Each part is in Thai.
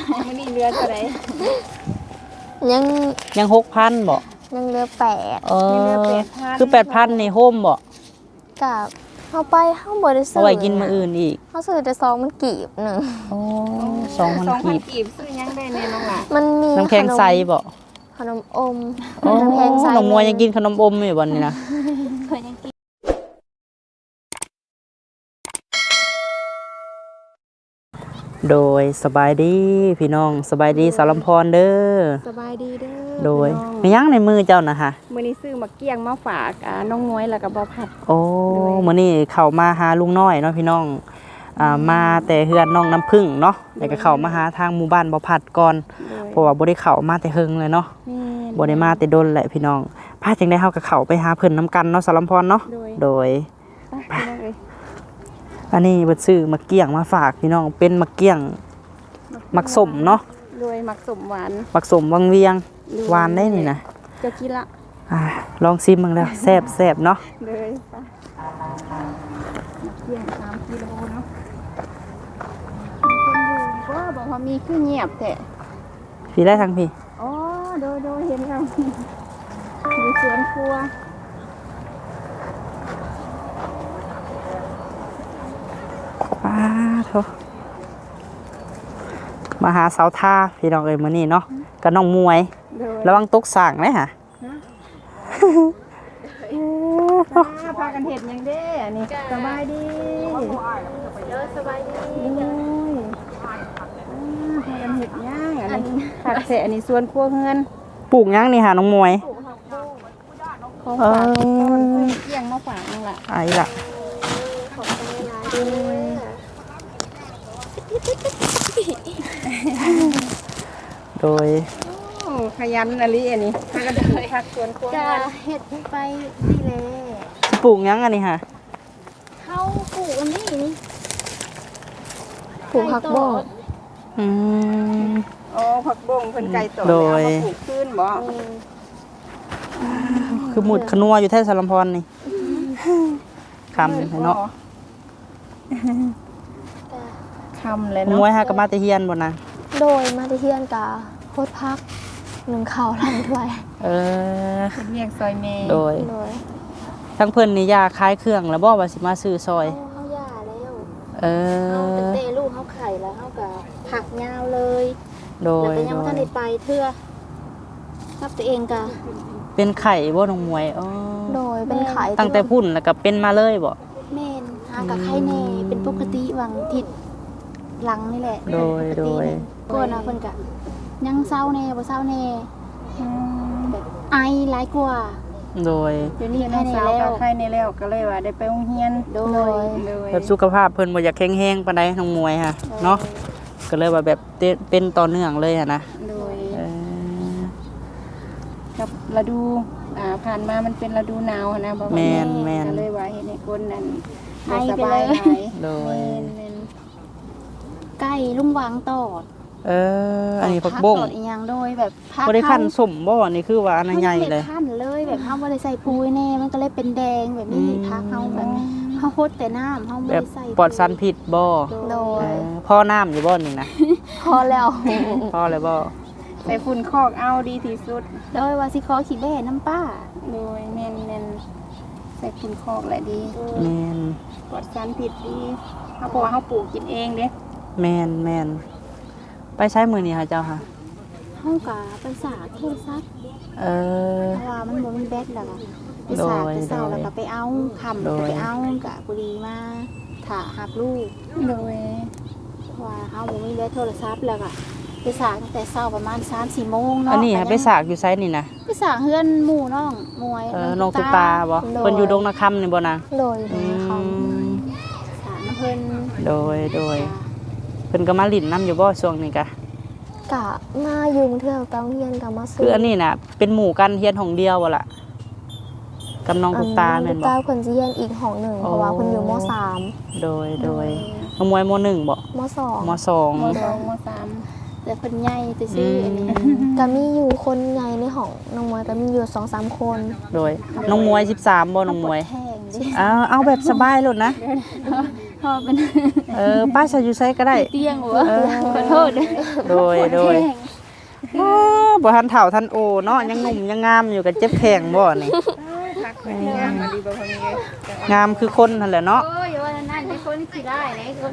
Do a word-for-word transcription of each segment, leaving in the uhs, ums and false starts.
มื้อนี้เรือเท่าไหร่ยังยังหกพันบ่ยังเหลือแปดเออยังเหลือแปดพันคือแปดพันนี่โฮมบ่กับเฮาไปเฮาบ่ได้ซื้เอาไว้กินมื้ออื่นอีกเฮาซื้อแต่ซองมันกีบหนึงโอ้สองพันกีบกีบซื้อยังได้แน่น้องล่ะมันมีน้ำแข็งใสบ่ขนมอมโอ้น้ำแข็งใสน้องมวยยังกินขนมอมอยู่บ่นี่นะเคยยังกินโดยสบายดีพี่น้องสบายดีสาวลำพรเด้อสบายดีเด้อโดยพี่มีน้องยังในมือเจ้านะฮะมื้อนี้ซื้อมาเกี้ยงมาฝากอ่าน้องน้อยแล้วก็บ่ผัดโอ้มื้อนี้เข้ามาหาลุงน้อยเนาะพี่น้องอ่ามาแต่เฮือนน้องน้ำผึ้งเนาะแล้วก็เข้ามาหาทางหมู่บ้านบ่ผัดก่อนเพราะว่าบ่ได้เข้ามาแต่เฮิงเลยเนาะแม่นบ่ได้มาแต่ดนแหละพี่น้องพาจังได้เฮาก็เข้าไปหาเพิ่นนํกันเนาะสาวลำพรเนาะโดยโดยไปพี่น้องเอ้ยอันนี้เบิดซื้อมะเกี้ยงมาฝากพี่น้องเป็นมะเกี้ยงมักสมเนาะโดยมักสมหวานมักสมวังเวียงโดยหวานได้นี่นะจะกินละอ่าลองซิมมึงแล้วแซ่บแซ่บเนาะเลยไปเกี้ยงสามกิโลเนาะมีคนอยู่บ่บอกว่ามีคือเงียบแท้พี่ได้ทั้งพี่อ๋อโดยโดยเห็นแล้วอยู่สวนครัวป้าโถมาหาสาวท่าพี่น้องเอ้ยมื้อนี้เนาะกับน้องมวยโดยระวังตกสร้างเลยฮะอ่าพากันเห็ดหยังเด้อันนี้สบายดีเออสบายดีโอ้ยอ่าพากันเห็ดหยังอันนี้ผักแสอันนี้สวนครัวเฮือนปลูกหยังนี่หาน้องมวยของเอฝากอต้นเกี้ยงมาฝากนั่นล่ะไอ้ล่ะโดยโอ้ขยันอะไรอันนี้พากันปลูกผักสวนครัวจะเฮือนเฮ็ดไปนี่แหละปลูกหยังอันนี้ฮะเฮาปลูกอันนี้นี่ปลูกผักบ้งอืมอ๋อผักบงเพิ่นไก่ต่อโดยเอามาปลูกขึ้นบ่คือหมุดขนัวอยู่แท้สารลำพรนี่คำเนาะคำเลยน้องเนาะมวยฮะกับมาแตะเฮียนบ่นะโดยมาที่เฮียนกะโคตรพักหนึ่งข้าวหลังถ้วยเออเป็นเรียกซอยเมย์โดยโดยทั้งเพิ่นนี่ยาคลายเครื่องแล้วบ่ว่าสิมาซื้อซอยเอาเฮาย่าแล้วเอเฮาเป็นอเตลูกเฮาไข่แล้วเฮาก็ผักยาวเลยโดแล้วยก็ยังโดบ่ทันยได้ไปเทื่อรับตัวเองกะเป็นไข่บ่น้องมวยอ๋อโดยเป็นไข่ตั้งแต่พุ่นแล้วก็เป็นมาเลยบ่แม่นหากับไข่แน่เป็นปกติหวังทิศหลังนี่แหละโดยโดยก่อนนะเพิ่นกะยังเศร้าแน่บ่เศร้าแน่แบบไอหลายกว่าโดยเดี๋ยวนี่นี้น้ไข้องแน่สาวแล้กัวบไข่ในแล้วก็เลยว่าได้ไปโรงเรียนโดยเลยแบบสุขภาพเพิ่นบ่อยากแข็งๆปานใดน้องมวยฮะเนาะก็เลยว่าแบบเตเป็นต่อเนื่องเลยอะนะโดยเออกับฤดูอ่าผ่านมามันเป็นฤดูหนาวนะบ่ว่าแม่นแม่นก็เลยว่าเห็นในคนนั้นไอบ่สไปบาเลย ยหลายโดยแม่นใกล้ลุงวางตอดเอออันนี้ผักบ้งตอดอีหยังโดยแบบพักบ่ได้ขั้นสมบ่นี่คือว่าอันนั้นใหญ่เลยขั้นเลยแบบเฮาบ่ได้ใส่ปุ๋ยแน่มันก็เลยเป็นแดงแบบนี้อืมพักเฮาแบบเฮาฮดแต่น้ำเฮาบ่แบบได้ใส่ปลอดสารพิษบ่โดเอย อพ่อน้ำอยู่บ่นี่นะพอแล้วพ่อเลยบ่ใส่ฝุ่นคอกเอาดีที่สุดโดยว่าสิขอขี้แบ่น้ำป้าโดยแม่นแม่นใส่ฝุ่นคอกแหละดีแม่นปลอดสารพิษดีเฮาเพราะว่าเฮาปลูกกินเองเด้แม่นแม่นไปใช้มือนี่ค่ะเจ้าค่ะเฮากะไปสากโทรศัพท์เออเพราะว่ามันบ่มีแบตแล้วก็ไปสากโดยไปเซาโดยแล้วก็ไปเอาค่ำโดก็ยไปเอากะบุรีมาถ่าหับลูกโดยเพราะว่าเฮาบ่มีแบตโทรศัพท์แล้วก็ไปสากตั้งแต่เช้าประมาณ สามสี่โมงเนาะอันนี้ก็ค่ะยังไปสากอยู่ไซนี่นะไปสากเฮือนหมู่น้องมวยเออน้องตุ๊กตาบ่เพิ่นอยู่ดงนาคำนี่บ่นางโดยโดอืยเขามสากน้ำเพิ่นโดยโดยเพิ่นก็มาลิ้นน้ำอยู่บ่ช่วงนี้กะกะมายุงเทื่อกับเฮียนกับมาซื้คืออันนี้น่ะเป็นหมู่กันเฮียนของเดียวบ่ล่ะกับน้องตุ๊กตาแม่นตุ๊กบ่ตาเพิ่นสิเฮียนอีกห้องหนึ่งเพราะว่าเพิ่นอยู่มสามโดยโดยน้องมวยมหนึ่งบ่มสองมสองมสองมสามแต่เพิ่นใหญ่แต่อืซื้ออันนี้มก็มีอยู่คนใหญ่ในห้องน้องมวยก็มีอยู่ สองสาม คนโดยน้องมวยสิบสามบ่น้องมวยแห้งดิเอาเอาแบบสบายโลดนะพอเป็นเออป้าจะอยู่ไสก็ได้เตียงหัวขอโทษโดยโดยโอ้บ่ทันเฒ่าทันโอเนาะยังหนุ่มยังงามอยู่กับเจ็บแข้งบ่นี่พักไปที่งานมาดีบ่พอมีเลยงามคือคนนั่นแหละเนาะโอ้ยว่านั่นไอ้คนสิได้ไหนคน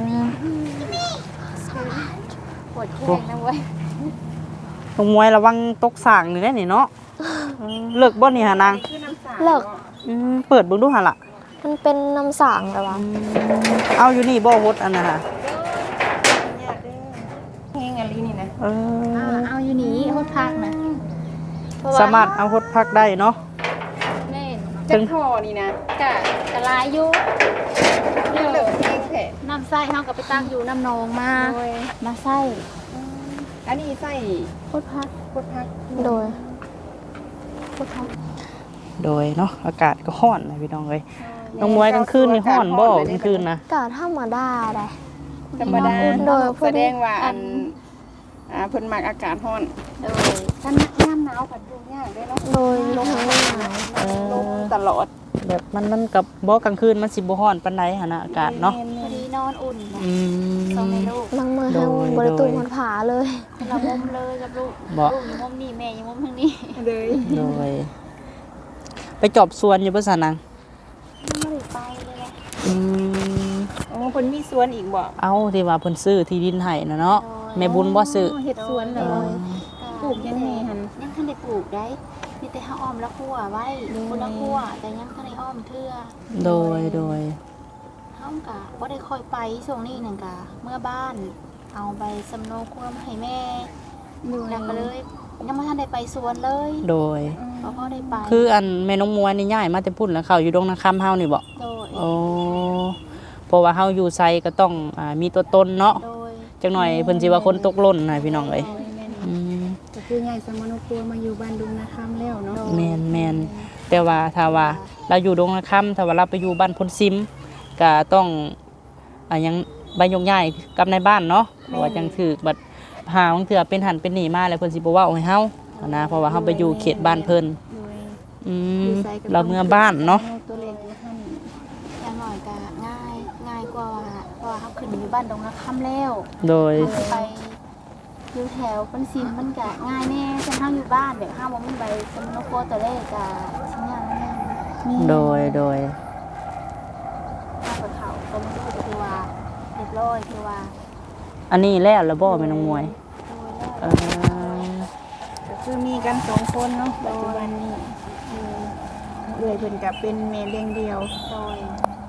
ปวดแข้งนะเว้ยลงมวยระวังตกสร้างนี่แหละนี่เนาะเออเลิกบ่นี่หานางคือน้ำสาเลิกอืมเปิดเบิ่งดูหั่นล่ะมันเป็นน้ำสางแต่ว่าเอาอยู่นี่บ่ฮดอันน่ะค่ะยากเด้อเฮงอะไรนี่นะเออเอาอยู่นี่โคตรพักนะสามารถเอาฮดพักได้เนาะแม่นจักท่อนี่นะกะกะลายอยู่เลิกเฮงแท้น้ำไส้เฮาก็ไปตั้งอยู่น้ำนองมาโดยมาไส้อันนี้ใส่โคตรพักโคตรพักโดยโคตรพักโดยเนาะอากาศก็ร้อนนะพี่น้องเอ้ยน้องมวยกลางคืนนี่ร้อนบ่กลางคืนนะกาธรรมดาได้ธรรมดาโดยพอแสดีดงว่าอันอ่าเพิ่นมักอากาศร้อนโดยถ้านักน้ำหนาวก็ดูยากเด้อเนาะโดยลงหนาวเอลอมตลอดแบบมันมันกับบ่กลางคืนมันสิบ่ร้อนปานใดหั่นน่ะอากาศเนาะพอดีนอนอุ่นนะอืมสองในลูกบางมือโดให้ยบริตูโดยมันผาเลยเรามุมเลยกับลูกบ่ลูกอยู่มุมนี้แม่อยู่มุมทางนี้เลยโดยไปจอบสวนอยู่บ่ซะนางไม่ได้ไปเลยแหละอืมโอ้เพิ่นมีสวนอีกบ่เอาที่ว่าเพิ่นซื้อที่ดินให้น่ะเนาะแม่บุญบ่ซื้อเฮ็ดสวนเลยปลูกยังไงหั่นยังทันได้ปลูกได้มีแต่เฮาอ้อมละคั่วไว้คนละคั่วแต่ยังทันได้อ้อมเทื่อโดยโดยเฮากะบ่ได้ค่อยไปช่วงนี้นั่นกะเมื่อบ้านเอาใบสำโนครัวมาให้แม่แล้วก็เลยยังบ่ทันได้ไปสวนเลยโดยเพราะพ่อได้ไปคืออันแม่น้องมวยนี่ย้ายมาแต่พุ่นแล้วเขาอยู่ดงนาคำเฮานี่บ่โดยโอ้เพราะว่าเฮาอยู่ไสก็ต้องอ่ามีตัวตนเนาะโดยจักหน่อยเพิ่นสิว่าคนตกหล่นนะพี่น้องเอ้ยอืมก็คือใหญ่สมนุครัวมาอยู่บ้านดุงนาคำแล้วเนาะแม่นแม่นแต่ว่าถ้าว่าเราอยู่ดงนาคำถ้าว่าเราไปอยู่บ้านพ้นซิมก็ต้องอ่ายังใบยกย้ายกับในบ้านเนาะเพราะว่าจังถูกบัดหาบางเทื่อเป็นหันเป็นหนีมาแล้วเพิ่นสิบ่เว้าให้เฮานะเพราะว่าเฮาไปอยู่เขตบ้านเพิ่นโดยอืมเราเมื่อบ้านเนาะตัวเล็กหั่นอย่างน้อยก็ง่ายง่ายกว่าเพราะว่าเฮาขึ้นอยู่บ้านดงนาคำแล้วโดยเฮาไปอยู่แถวเป็นซิมมันก็ง่ายแน่ฉันเฮาอยู่บ้านแบบเฮาบ่มีใบสำโนครัวตัวเลขก็สิยากแน่โดยโดยข้าวเขาก็ไม่รู้คือว่าเรียบร้อยคือว่าอันนี้แล้วแล้วบ่แม่น้องมวยโดยแล้วเออก็คือมีกันสองคนเนาะปัจจุบันนี้เออเอื้อยเพิ่นก็เป็นแม่เลี้ยงเดียวโดย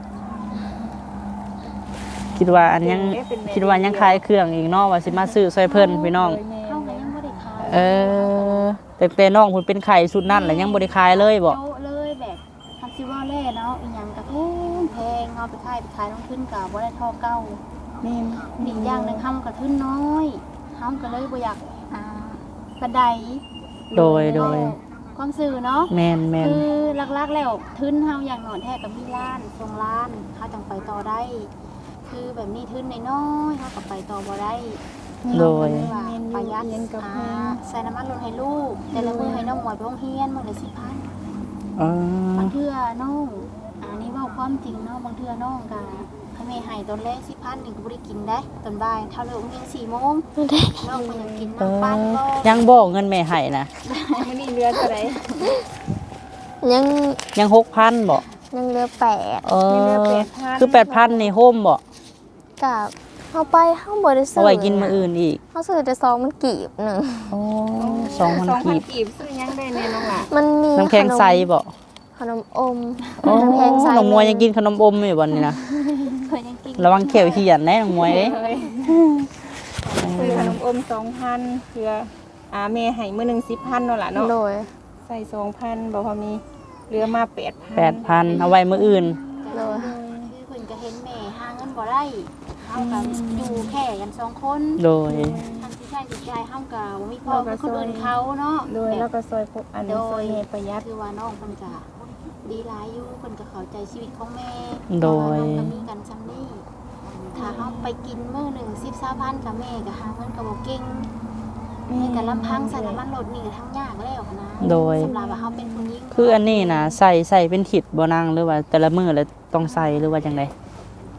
คิดว่าอันยังคิดว่ายังขายเครื่องอีกเนาะว่าสิมาซื้อซอยเพิ่นพี่น้องเข้าก็ยังบ่ได้ขายเออแต่แต่น้องเพิ่นเป็นไข่ชุดนั้นแล้วยังบ่ได้ขายเลยบ่โต๊ะเลยแบบทำซิว่าแล่เนาะอีหยังก็แพงแพงเอาไปขายไปขายต้องขึ้นก็บ่ได้เท่อเก่าแม่นอีกอย่างหนึงเฮาก็ทุนน้อยเฮาก็เลยบ่อยากอ่าปานใดโดยโดยความซื่อเนาะแม่นแม่นคือหลักๆแล้วทุนเฮาอย่างหนอนแท้ก็มีล้านสองล้านเฮาจังไปต่อได้ คือแบบนี้ทุนน้อยๆเฮาก็ไปต่อบ่ได้โดยว่าประหยัดเงินกับอ่าแม่ใส่น้ำมันลดให้ลูก แต่ละมื้อให้น้องหมวยไปโรงเรียนมื้อละสิบพันเออบางเทื่อน้องอันนี้เว้าความจริงเนาะบางเทื่อน้องก็ให้แม่ให้ตอนแรกสิบพันนี่ก็บ่ได้กินได้ตอนบ่ายเท่าเลิกโรงเรียนสี่โมงน้องก็ยังกินเอน้ำปั้นอบ่ยังบ่เงินแม่ให้นะมื้อนี้เรือเท่าไหร่ยังยังหกพันบ่ยังเหลือแปดเออคือแปดพันนี่โฮมบ่กับเข้าไปเข้าบริสุทเอาธิ์ไว้กินมื้ออื่นอีกเขาซื้อแต่ซองมันกีบหนึ่งโอ้สองพันกีบกีบซื้อยังได้แน่น้องล่ะมันมีน้ำแข็งใสบ่ขนมอมโอ้น้ำแข็งใสน้องมวยยังกินขนมอมอยู่บ่นี่นะเพิ่นยังกินระวังเขียวเขียนนะน้องมวยเอ้ยซื้อขนมอมสองพันเพื่ออ่าแม่ให้มื้อหนึงสิบพันเนาะล่ะเนาะโดยใส่สองพันบ่พอมีเหลือมาแปดพันแปดพันเอาไว้มื้ออื่นโดยคือเพิ่นก็เห็นแม่หาเงินบ่ได้เฮาก็อยู่แค่กันสองคนโดยทางที่ใช้จิตใจเฮาก็บ่มีพ่อเป็นคนอื่นเขาเนาะโดยแบแล้วบก็ซอยพวกอันโดซอย ยแม่ประหยัดคือว่าน้องเพิ่นก็ดีหลายอยู่เพิ่นก็เข้าใจชีวิตของแม่โดยเพราะว่าน้องก็มีกันซำนี้ถ้าเฮาไปกินมื้อหนึงสิบ สามพันกับแม่ก็หาเงินก็บ่เก่งแม่ก็ลำพังใส่น้ำมันรถนี่ก็ทั้งยากแล้วนะโดยสำหรับว่าเฮาเป็นผู้หญิงคืออันนี้นะใส่ใส่เป็นขิดบ่นางหรือว่าแต่ละมื้อแล้วต้องใส่หรือว่าจังได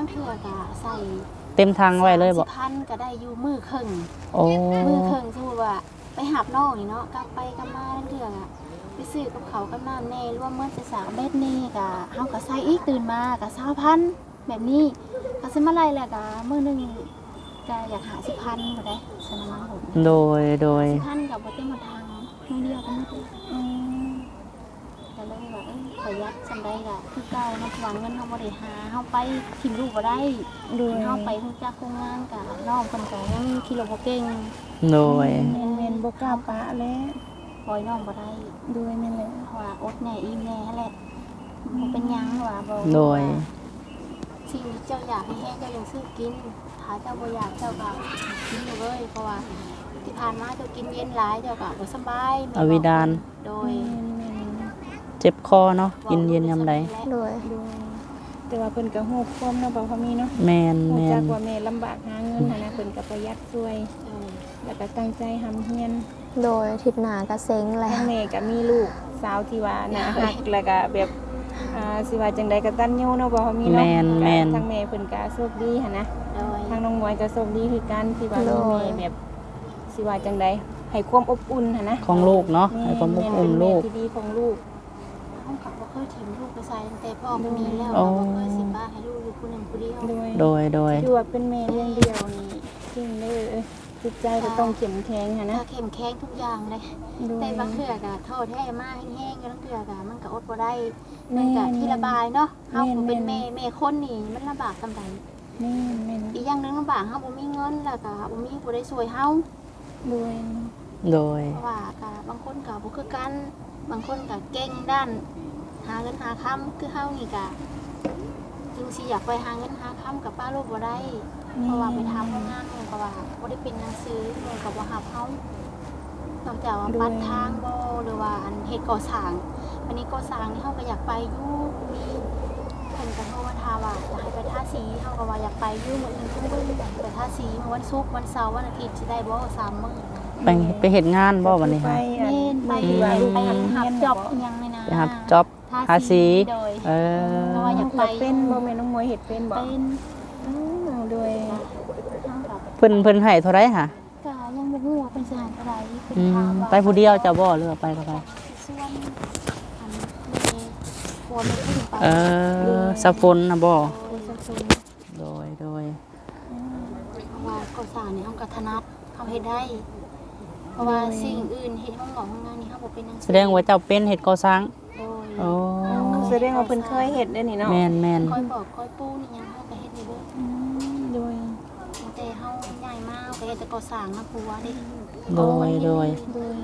งเทื่อก็ใส่เต็มทางไว้เลยบ่สามสิบพันก็ได้อยู่มือครึ่งโอ้มือครึ่งสมมุติว่าไปหาบน้องนี่เนาะกลับไปกลับมาทั้งเทื่ออะไปซื้อกับเขาวกับน้ำแน่รวมเมื่อจะสามเบ็ดนี่ก็เฮาก็ใส่อีกตื่นมาก็สามพันแบบนี้ก็สิมาไล่แล้วก็มื้อหนึงก็อยากหาสิบพันบ่ได้สนามผมโดยโดยสิบพันก็บ่เต็มหมดทางมื้อเดียวก็หมดเลยอืมก็เลยว่าเอ้ยประหยัดซำใดก็คือเก่าเนาะหวังเงินเฮาบ่ได้หาเฮาไปถิ่มลูกบ่ได้โดยเฮาไปฮู้จักโครงงานก็น้องเพิ่นก็ยังขี่รถบ่เก่งโดยแม่นแม่นบ่กล้าปะแล้วปล่อยน้องบ่ได้โดยแม่นแหละเพราะว่าอดแน่อิ่มแน่แหละบ่เป็นหยังว่าบ่โดยสิ่งที่เจ้าอยากให้แห้งเจ้ายังซื้อกินถ้าเจ้าบ่อยากเจ้าก็กินอยู่เลยเพราะว่าที่ผ่านมาเจ้ากินเย็นหลายเจ้าก็บ่สบายแม่อวิดานโดยแม่นเจ็บคอเนาะกินเย็นยามใดโดยๆโดยแต่ว่าเพิ่นก็ฮู้ความเนาะบ่พอมีเนาะแม่นฮู้แม่จักนว่าแม่ลำบากหาเงินหันนะเพิ่นก็ประหยัดช่วยเออแล้วก็ตั้งใจทำเฮียนโดยทิศหน้าก็เซ็งแล้ทั้วงแม่ก็มีลูกสาวที่ว่าน่ารักแล้วก็แบบอ่าสิว่าจังใดก็ตันยูเนาะบ่พอมีเนาะแม่นแม่นทั้งแม่เพิ่นก็โชคดีหันนะโดยทางน้องมวยก็โชคดีคือกันที่ว่ามีแม่แบบสิว่าจังใดให้ความอบอุ่นหันนะของลูกเนาะให้ความอบอุ่นลูกแม่เป็นแม่ที่ดีของลูกเฮาก็บ่เคยถิ่มลูกไปใส่ตั้งแต่พ่อบ่มีแล้วโอ้บ่เคยสิบ้าให้ลูกอยู่ผู้หนึงผู้เดียวโดยโดยโดยที่ว่าเป็นแม่เลี้ยงเดียวนี่จริงเลยเอ้ยจิตใจก็ต้องเข้มแข็งหันนะถ้าเข้มแข็งทุกอย่างเลยโดยแต่บางเทื่อก็โทษแท้มากแห้งๆก็บางเทื่อก็มันก็อดบ่ได้มันก็ที่ระบายเนาะเฮาก็เป็นแม่แม่คนนี่มันลำบากซำใดแม่นแม่นอีกอย่างหนึงลำบากเฮาบ่มีเงินแล้วก็บ่มีผู้ใดช่วยเฮาโดยโดยเพราะว่าก็บางคนก็บ่คือกันบางคนก็เก่งด้าน หาเงินหาค้ำคือเฮานี่ก็จึงสิอยากไปหาเงินหาค้ำกับป้าลูกบ่ได้เพราะว่าไปทำโรงงานมันก็ว่าบ่ได้เป็นหนังสือมันก็บ่รับเฮานอกจากว่าปัดทางบ่หรือว่าอันเฮ็ดก่อสร้างวันนี้ก่อสร้างนี่เฮาก็อยากไปอยู่มีเพิ่นก็โทรมาถามว่าจะให้ไปทาสีเฮาก็ว่าอยากไปอยู่มื้ออื่นเพิ่นเบิ่งไปทาสีมื้อวันศุกร์วันเสาร์วันอาทิตย์สิได้บ่สามมื้อไปไปเฮ็ดงานบ่วันนี้ไปค่ะอันเล่นไปที่ว่าลูกไปไปหับเฮียนจน่ะอบอิหยังเลยนะไปรับจ็อบทาสีโดยเออเพราะว่าอยากไปเป็นบ่แม่น้องมวยเฮ็ดเป็นบ่เป็นอือโดยเท่ากับเพิ่นเพิ่นให้เท่าไรค่ะกายังบ่ฮู้ว่าเป็นสถานอะไรเป็นอืทาม งว่าไปผู้เดียวเจ้าบ่หรือว่าไปกับใครส่วนอันมีครัวไม่ขึ้นไปเออสะฝนนะบ่โดยสักส่วนโดยโดยเพราะว่าก่อสร้างนี่เฮาก็ถนัดเฮาเฮ็ดได้ เพราะว่าสิ่งอื่นเฮ็ดห้องหลอกห้องงานนี่เฮาบ่เป็นหนังสืแสดงว่าเจ้าเป็นเฮ็ดก่อสร้างโดยโอ้แสดงว่าเพิ่นเคยเฮ็ดได้นี่เนาะแม่นแม่นคอยบอกคอยปูนี่ยังเฮาก็เฮ็ดได้เบิดอืมโดยตั้งแต่เฮาใหญ่มาเฮาก็เฮ็ดแต่ก่อสร้างนะผัวเด้โดยโดยโดย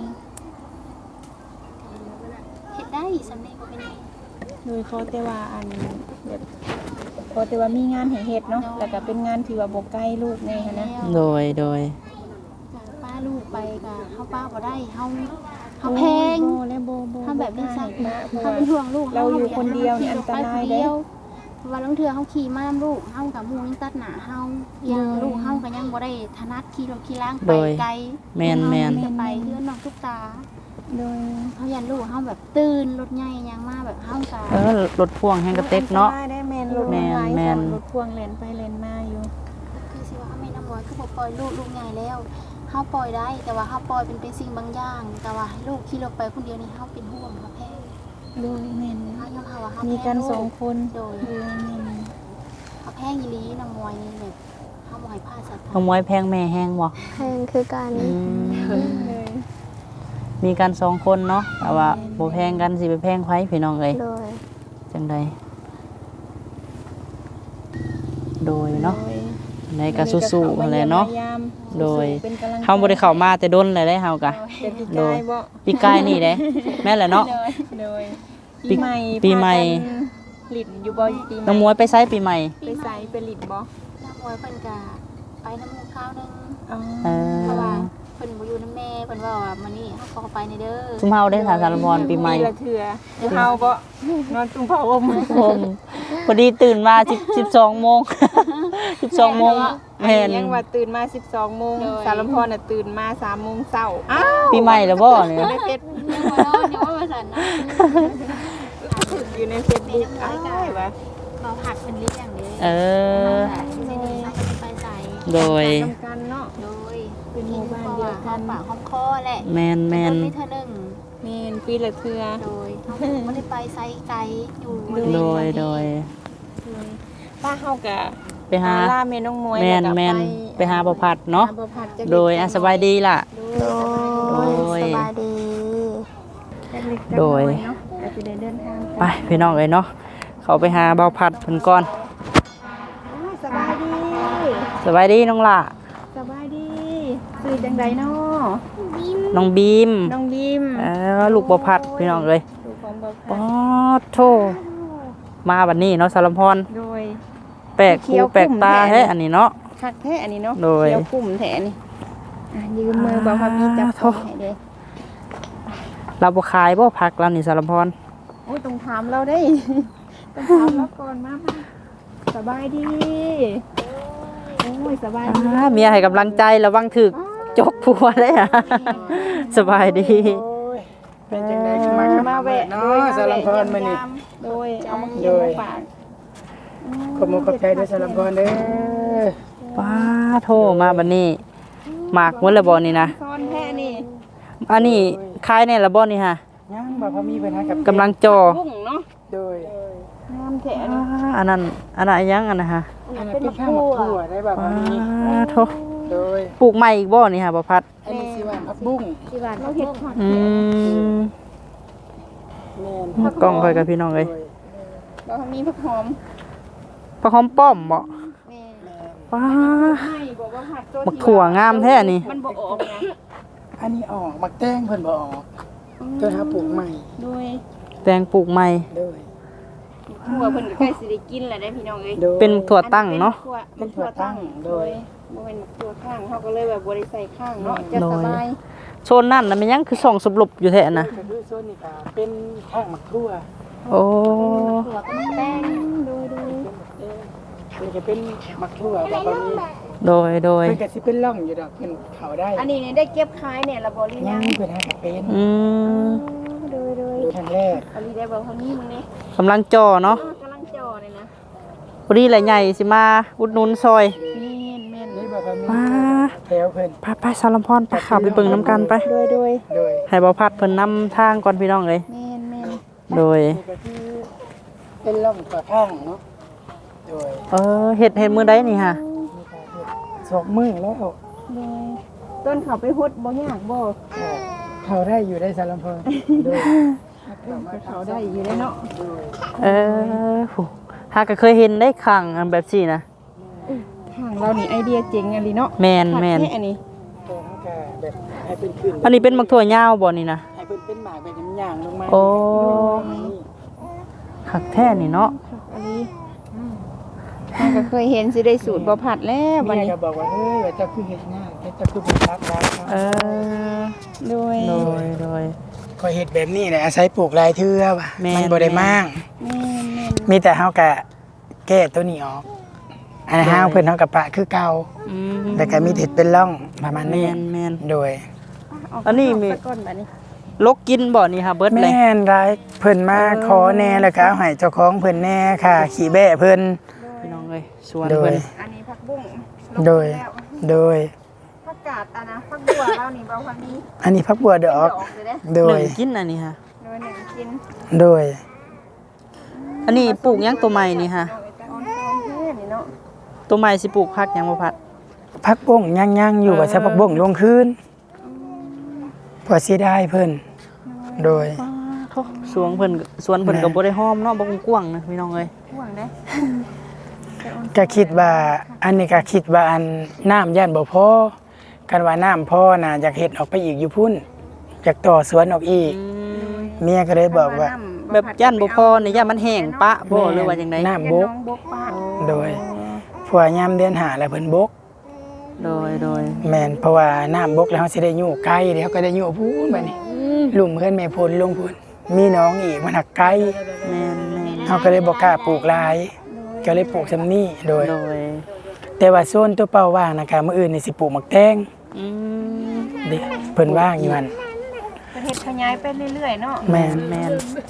เฮ็ดได้สำเร็จบ่เป็นหยังโดยเขาแต่ว่าอันแบบเขาแต่ว่ามีงานให้เฮ็ดเนาะแล้วก็เป็นงานที่ว่าบ่ไกลลูกแน่หันนะโดยโดยจากป้าลูกไปก็เฮาป้าบ่ได้เฮาเฮาแพงโบและโบโบเฮาแบบนี้สั่นะเพราะเฮาว่าเป็นห่วงลูกเราอยู่คนเดียวนี่อันตรายเด้เพราะว่าลางเทื่อเฮาขี่ม้ามลูกเฮากับหมู่ยังตัดหน้าเฮายังลูกเฮาก็ยังบ่ได้ถนัดขี่รถขี่ล้างไปไกลแม่นแม่นจะไปเฮือนน้องทุกตาโดยเฮายันลูกเฮาแบบตื่นรถใหญ่ยังมาแบบเฮาก็เออรถพ่วงแฮงกระเต็กเนาะอัตรยได้แม่นรถแม่นหลายแม่นรถพ่วงแล่นไปแล่นมาอยู่คือสิว่าเฮาแม่น้ำมวยคือบ่ปล่อยลูกลูกใหญ่แล้วเฮาปล่อยได้ แต่ว่าเฮาปล่อยเป็นเป็นสิ่งบางอย่าง แต่ว่าให้ลูกขี่รถไปคนเดียวนี่เฮาเป็นห่วงเฮาแพ้โดยแม่นเฮายอมรับว่าเฮามีมีกันสองคนโดยโดยแม่นเฮาแพ้อีหลีน้ำมวยนี่แบบเฮาบ่ให้พลาดสักขโมยแพงแม่แฮงบ่แพงคือการอืมเลยมีกันสองคนเนาะแต่ว่าบ่แพงกันสิไปแพงไผพี่น้องเอ้ยโดยจังใดโดยเนาะในก็สู้ๆนั่นแหละเนาะ โดยเป็นกำลังใจเฮาบ่ได้เข้ามาแต่ดนเลยได้เฮากะเป็นปีโดกาย ยบ่ปีกายนี่เด้แม่นแหละเนาะโดยโดยปีปีใหม่ปีใหม่พากันหลินอยู่บ่ปีใหม่น้องมวยไปไสปีใหม่ไปใส่ไปหลินบ่น้ำมวยเพิ่นก็ไปน้ำหมูข้าวนึงอ๋อเอเพราะว่าอเพิ่นบ่อยู่นำแม่เพิ่นว่าว่ามื้อนี้เฮาขอไปในเด้อซุมเฮาได้สาสารพรปีใหม่ละเถื่อเดี๋ยวเฮาบ่นอนตุ้งเผาอมผมพอดีตื่นมา10 12โมง 12โมงอัแม่นยังว่าตื่นมาสิบสองโมงสารพรน่ะตื่นมาสามโมงเช้าอ้าวปีใหม่แล้วบ่เนี่ยในเฟซยังบ่นอนยังว่าว่าซั่นนะอยู่ในเฟซบุ๊กอ้าวว่าบอกาผัดเป็นเลี้ยงเด้เออที่นี่เขาก็จะไปใส่โดยทำกันเนาะโดยเป็นหมู่บ้านเดียวกันปากห้องคอแหละแมนแมนมีเท่านึงเมนปีละเทือโดยเขาไม่ได้ไปไซไกลอยู่โดยโดยป้าเฮากะไปหาล่าเมน้องมวยแมนล้วก็แมนไปหาบ่พัดเนาะหบ่พัดจักโดยอ่ะสบายดีล่ะโดยโดยสบายดีจักเล็กจักโดน้อย เนาะก็สิได้เดินทางไปพี่น้องเลยเนาะเขาไปหาบ่พัดเพิ่นก่อนอ้าวสบายดีสบายดีน้องล่ะสบายดีสื่อจังไดเนาะน้องบีมน้องบีมเออลูกบ่พัดพี่น้องเลยลูกของบ่ป๊พัอดดโธมาบัดนี้เนาะสารพรโดยแปลกเขีหูยวแปลกตาคุ้มแท้แท้อันนี้เนาะคักแท้อันนี้เนาะโดยเขียวกลุ่มแท้นี่อ่ะยืมมือบอกว่ามีจับอ่าของโถ่ให้เด้เราบ่ขายบ่พักเรานี่สารพรโอ้ยต้องถามเราได้ ต้องถามเราก่อนมามาสบายดีโอ้ยสบายดีอ่าเมียให้กำลังใจระวังถึกจกผัวเลยอ่ะ สบายดีโอ้ยเป็นจังได๋มาครับมาแวะเนาะสารพรมื้อนี้โดยเอามาเขียนมาฝากขอบคุณขอบใจด้วยสารพรเด้อป้าโทมาบัดนี้หมากหมดแล้วบ่นี่นะซ่อนแท้นี่อันนี้ขายในละบ่นี่ฮะยังบ่พอมีปัญหากับกำลังจ่อบุ้งเนาะโดยงามแท้อ่านี่อันนั้นอันนั้นยังอันนะฮะอันนั้นเป็นข้าวหมกถั่วได้บ่พอมีป้าโทโดยปลูกใหม่อีกบ่นี่ฮะบ่พัดอันนี้สิว่าผักบุ้งที่บ้านเราเห็ดผักอืมแม่นกล้องค่อยกับพี่น้องเลยโดยเรามีผักหอมปลาหอมป้อมบ่แม่แม่นป้าให้บอกว่าผักตัวบักถั่วงามแท้นี่มันบ่ออกนะอันนี้ออกมักแตงเพิ่นบ่ออกตัวหาปลูกใหม่โดยแตงปลูกใหม่โดยถั่วเพิ่นก็ใกล้สิได้กินแล้วได้พี่น้องเอ้ยโดยเป็นถั่วตั้งเนาะเป็นถั่วตั้งโดยบ่เป็นถั่วข้างเขาก็เลยแบบบ่ได้ใส่ข้างเนาะจะสบายโซนนั่นน่ะมันยังคือส่องสบลบอยู่แท้นะก็คือส่วนนี้ก็เป็นข้างมักทั่วโอ้หัวก็แป้งโดยโดยเออนี่ก็เป็นมักทั่วบ่พอมีโดยโดยเพิ่นก็สิเป็นร่องอยู่ดอกเพิ่นเข้าได้อันนี้เนี่ยได้เก็บขายเนี่ยละบ่หรือยัยัง งเพิ่นหากับเป็นอืมโดยโดยดูทางแรกอันนี้ได้บ่เท่านี้มึงนี่กำลังจ่อเนาะกำลังจ่อเลยนะพอดีแหละใหญ่สิมาอุดหนุนซอยแม่นแม่นนี่บ่พอมีป้าแถวเพิ่นไปไปสารพรไปขับไปเบิ่งน้ำกันไปโดยโดยโดยให้บ่พัดเพิ่นนำทางก่อนพี่น้องเลยแม่นแม่นโดยนี่ก็คือเป็นร่องตัวข้างเนาะโดยเออเฮ็ดเฮ็ดมื้อใดนี่ฮะนี่ก็เฮ็ดสองมือแล้วโดยต้นเขาไปฮดบ่ยากบ่เขาได้อยู่ได้สารพันโดยเขาได้อยู่ได้เนาะโดยเออโหหากก็เคยเห็นได้ครั้งอันแบบซี่นะทางเรานี่ไอเดียเจ๋งอันนี้เนาะแม่นแม่นผักค่อันนี้ตัวเขาก็แบบให้เป็นขึ้นอันนี้เป็นมักถั่วยาวบ่นี่นะให้เป็นเป็นหมากแบบย่างๆลงมาโอ้นี่คักแท้นี่เนาะอันนี้มันก็เคยเห็นสิได้สูตรบ่ผัดแล้วบัดเมียนี้ก็บอกว่าเฮ้ยว่าเจ้าคือเฮ็ดง่ายเจ้าคือเป็นรักรักเออโดยโดยโดยก็เฮ็ดแบบนี้แหละอาศัยปลูกหลายเทื่อว่ะแม่นมันบ่ได้มากแม่นแม่นมีแต่เฮาก็แก้ตัวนี้ออกอันนั้นเฮาเพิ่นเฮาก็ปะคือเก่าอืมแต่ก็มีเห็ดเป็นร่องประมาณแมนี้นแมนโดยอันนี้มีเาไปก่อนบัดนี้ลกกินบ่นี่ค่ะเบิดเลยแม่นร้ายเพิ่นมาขอแหน่แล้วก็เอาให้เจ้าของเพิ่นแหน่ค่ะ ขี่แบะเพิ่นพี่น้องเอ้ยสวนโดยเพิ่นอันนี้ผักบุ้งโดยแล้วโดยผักกาดอันนะผักบัวเรานี่เบาพันนี้อันนี้พักบัวดอกดอกเลยเด้โดหยนึ่งกินอันนี้ค่ะโดยหนึ่งกินโดยอันนี้ปลูกหยังตัวใหม่นี่ค่ะเอาไปแต่ออนซอนเท่นี่เนาะตัวใหม่สิปลูกผักหยังบ่พัดพักบ้งย่างๆอยู่ว่าจะพักบ้งลงคืนพอสิได้เพิ่นโดยสวนเพิ่นสวนเพิ่นก็บ่ได้ห้อมเนาะบ่กว้างๆนะพี่น้องเอ้ยห่วงได้ก็คิดว่าอันนี้ก็คิดว่าอันน้ำย่านบ่พอกันว่าน้ำพอน่ะอยากเฮ็ดออกไปอีกอยู่พุ่นอยากต่อสวนออกอีกอืมเมียก็เลยบอกว่าแบบย่านบ่พอนี่ย่านมันแห้งปะบ่หรือว่าจังไดน้ำบกน้องบกป้าโดยผัวยามเดือนหาแล้วเพิ่นบกโดยโดยแม่นเพราะว่าน้ำบกแล้วเฮาสิได้อยู่ไกลเดี๋ยวเขาก็ได้อยู่พูนบัดนี้ลุ่มเพิ่นแม่พลลงพูนมีน้องอีกมันหักไกลแม่นแม่นเฮาก็เลยบ่กล้าปลูกหลายก็เลยปลูกซำนี้โดยโดยแต่ว่าโซนตัวเป้าว่างนะคะมื้ออื่นนี่สิปลูกหมักแตงอืมเด้เพิ่นว่างอยู่หั่นประเทศขยายไปเรื่อยๆเนาะแม่นแม่น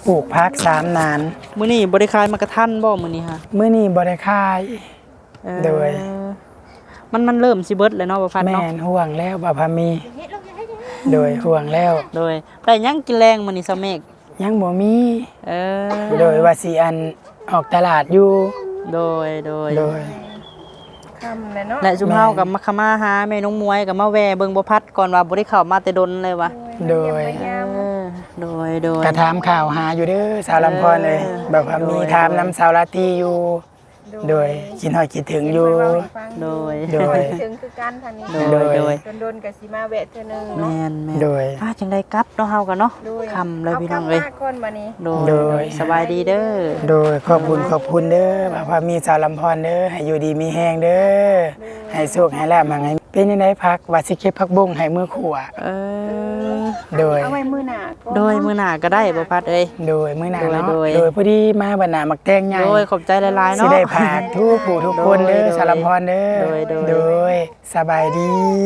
ปลูกพักสามนานมื้อนี้บ่ได้ขายมากระทันบ่มื้อนี้ฮะมื้อนี้บ่ได้ขายเออโดยมันมันเริ่มสิเบิดแล้วเนาะบ่พันแม่เนาะนห่วงแล้วบ่พามี โดยห่วงแล้วโดยได้หยังกินแรงมื้อนี้ซะเมกยังบ่มีเออโดยว่าสิอันออกตลาดอยู่โดยโดยโดยคำเลยเนาะและซุมเฮากับมาขมาหาแม่น้องมวยกับมาแวเบิ่งบ่พัดก่อนว่าบ่ได้เข้ามาแต่ดนเลยว่ะโดยเออโดยโดยกระถามข่าวหาอยู่เด้อสาวลำพรเลยเออแบบว่ามีโดยถามน้ำสาวลาตีอยู่ โดยคิดฮอดคิดถึงอยู่โดยโดยถึงคือกันทางนี้โดยโดยโดนๆกับสีมาแวะเธอหนึงแม่เนาะนแม่นโดยอ่าจังได๋กลับเนาะเฮากันเนาะโดยค่ำเลยพี่น้องเอ้ยากลับมาก่อนมานี่โดยโดยโดยสบายดีเด้อโดยขอบคุณขอบคุณเด้อแบบว่ามีสาวลำพรเด้อให้อยู่ดีมีแห้งเด้อให้โชคให้ลาบมาไงเป็นยังไงพักว่าสิเก็บผักบุ้งให้มือขวาเออโดยเอาไว้มื้อหน้าก่อนโดยมื้อหน้าก็ได้บ่พัดเอ้ยโดยมื้อหน้าเนาะโดยโดยพอดีมาบรรณามักแตงใหญ่โดยขอบใจหลายๆสิเนาะได้ผ่านทุกผู้ทุกคนเด้อโดยสาวลำพรเด้อโดยโดยโดยสบายดี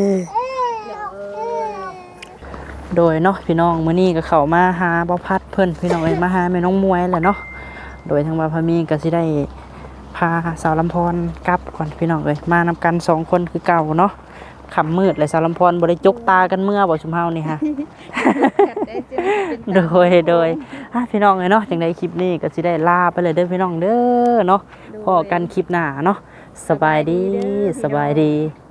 โดยเนาะพี่น้องมื้อนี้ก็เข้ามาหาบ่พัดเพิ่นพี่น้องเอ้ยมาหาแม่น้องมวยแหละเนาะโดยทางว่าพามีก็สิได้พาสาวลำพรกลับก่อนพี่น้องเอ้ยมานำกันสองคนคือเก่าเนาะค่ำมืดเลยสาวลำพรบ่ได้จกตากันเมื่อบ่ชุมเฮานี่ฮะได้เจอเป็นโดยโดยอ่ะพี่น้องเอ้ยเนาะจังได๋คลิปนี้ก็สิได้ลาไปเลยเด้อพี่น้องเด้อเนาะพอกันคลิปหน้าเนาะสบายดีสบายดี